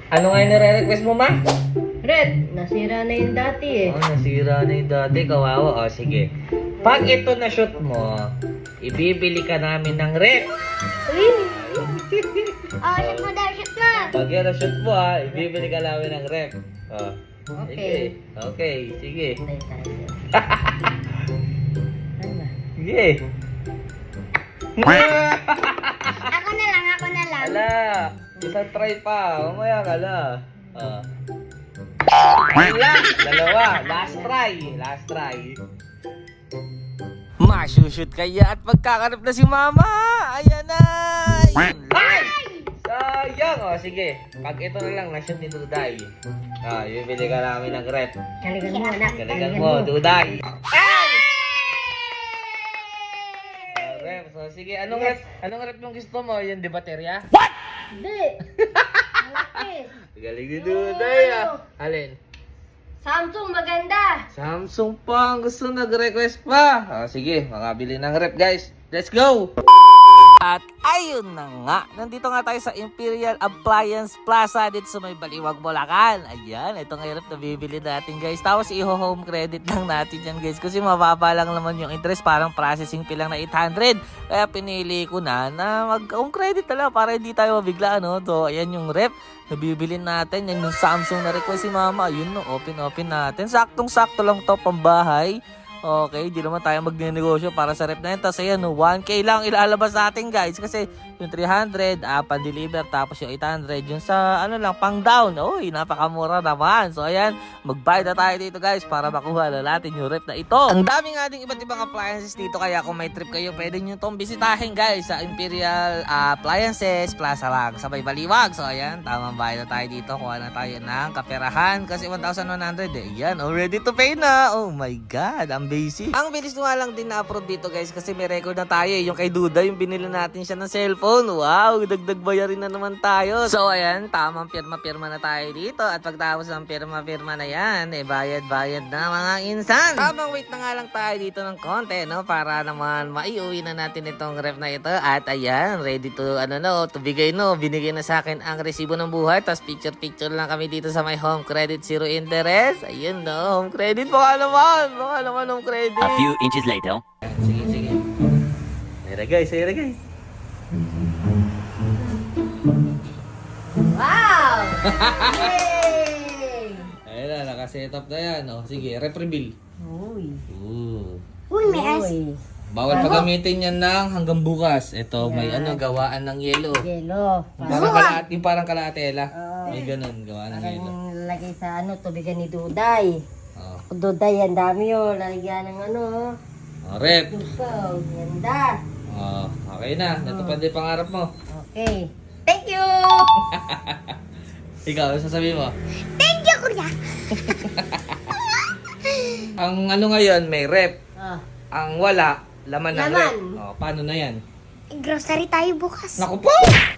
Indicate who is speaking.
Speaker 1: Ano nga yung nire-request mo, ma?
Speaker 2: Red, nasira na yung dati eh.
Speaker 1: Oh, nasira na yung dati. Kawawa. O, sige. Pag ito na shoot mo, ibibili ka namin ng rep.
Speaker 3: Shoot mo daw, shoot mo.
Speaker 1: Pag yan na shoot mo, ha, ibibili ka namin ng rep. Oh.
Speaker 2: Okay.
Speaker 1: Sige. Okay, sige.
Speaker 2: Tayo tayo. Ano ba?
Speaker 1: Sige.
Speaker 3: Ako na lang, ako na lang.
Speaker 1: Ala, isang try pa. Umaya ka na. Oh. Ayun lang, dalawa. Last try. Last try. Masushoot kaya at magkakarap na si mama. Ayan na. Yun lang. Sayang. O, sige. Pag ito na lang, na-shoot ni Duday. Bibili ka namin ng rep.
Speaker 2: Kaligan mo anak.
Speaker 1: Kaligan mo, Duday. Rep. So, sige. Anong rep? Anong rep yung gusto mo? Yung de baterya?
Speaker 2: Hindi. Malaki.
Speaker 1: Galing ni Duday, ah. Alin?
Speaker 2: Samsung maganda.
Speaker 1: Samsung pa ang gusto nag-request pa. Sige, makabili ng rep guys. Let's go! At ayun na nga, nandito nga tayo sa Imperial Appliance Plaza dito sa may Baliwag, Bulacan. Ayan, ito nga yung rep na bibili natin guys. Tapos i-home credit lang natin yan guys kasi mababa lang naman yung interest, parang processing fee lang na 800. Kaya pinili ko na mag-home credit na lang para hindi tayo mabigla. So ayan yung rep na bibili natin. Yan yung Samsung na request si mama. Ayun no, open natin. Saktong-sakto lang to pambahay. Okay, di naman tayo magnenegosyo para sa rep na yun. Tapos ayan, 1K lang ilalabas natin guys. Kasi yung 300, pan-deliver. Tapos yung 800, yung sa ano lang, pang down. Uy, napakamura naman. So ayan, magbayad na tayo dito guys para makuha na natin yung rep na ito. Ang dami nga ding iba't ibang appliances dito. Kaya kung may trip kayo, pwede nyo itong bisitahin guys sa Imperial Appliances Plaza lang sa may Baliwag. So ayan, tamang bayad na tayo dito. Kuha na tayo ng kaperahan kasi 1,100 eh. Ayan, ready to pay na. Oh my God, ang basic. Ang bilis nga lang din na-approve dito guys kasi may record na tayo eh. Yung kay Duda, yung binili natin siya ng cellphone. Wow, dagdag bayarin na naman tayo. So ayan, tamang pirma-pirma na tayo dito. At pagtapos ng pirma-pirma na yan, bayad-bayad na mga insan. Tamang wait na nga lang tayo dito ng konti, no? Para naman maiuwi na natin itong ref na ito. At ayan, ready to, to bigay, no? Binigay na sa akin ang resibo ng buhay. Tapos picture-picture lang kami dito sa my home credit, zero interest. Ayun, no? Home credit, baka naman home credit.
Speaker 4: A few inches later.
Speaker 1: Sige. Ayan guys.
Speaker 2: Wow! Yay!
Speaker 1: Ayan na, nakaset up na yan. Sige, rep reveal.
Speaker 2: Uy.
Speaker 3: Uy, may as.
Speaker 2: Uy.
Speaker 1: Bawal pagamitin yan ng hanggang bukas. Ito, may gawaan ng yelo.
Speaker 2: Yelo.
Speaker 1: Parang kalatela.
Speaker 2: Oo.
Speaker 1: May ganun, gawaan ng yelo.
Speaker 2: Parang lagay sa tubigan ni Duday.
Speaker 1: Oh.
Speaker 2: Duday, ang dami yun. Lalagyan ng
Speaker 1: Rep.
Speaker 2: Tupaw. Ganda.
Speaker 1: Okay na. Natupad din pangarap mo.
Speaker 2: Okay. Thank you!
Speaker 1: Ikaw, ano sasabihin mo?
Speaker 3: Thank you, kuya.
Speaker 1: Ang ngayon, may rep.
Speaker 2: Ah.
Speaker 1: Ang wala, laman ng rep.
Speaker 2: Laman.
Speaker 1: Paano na yan?
Speaker 3: Grocery tayo bukas.
Speaker 1: Naku po!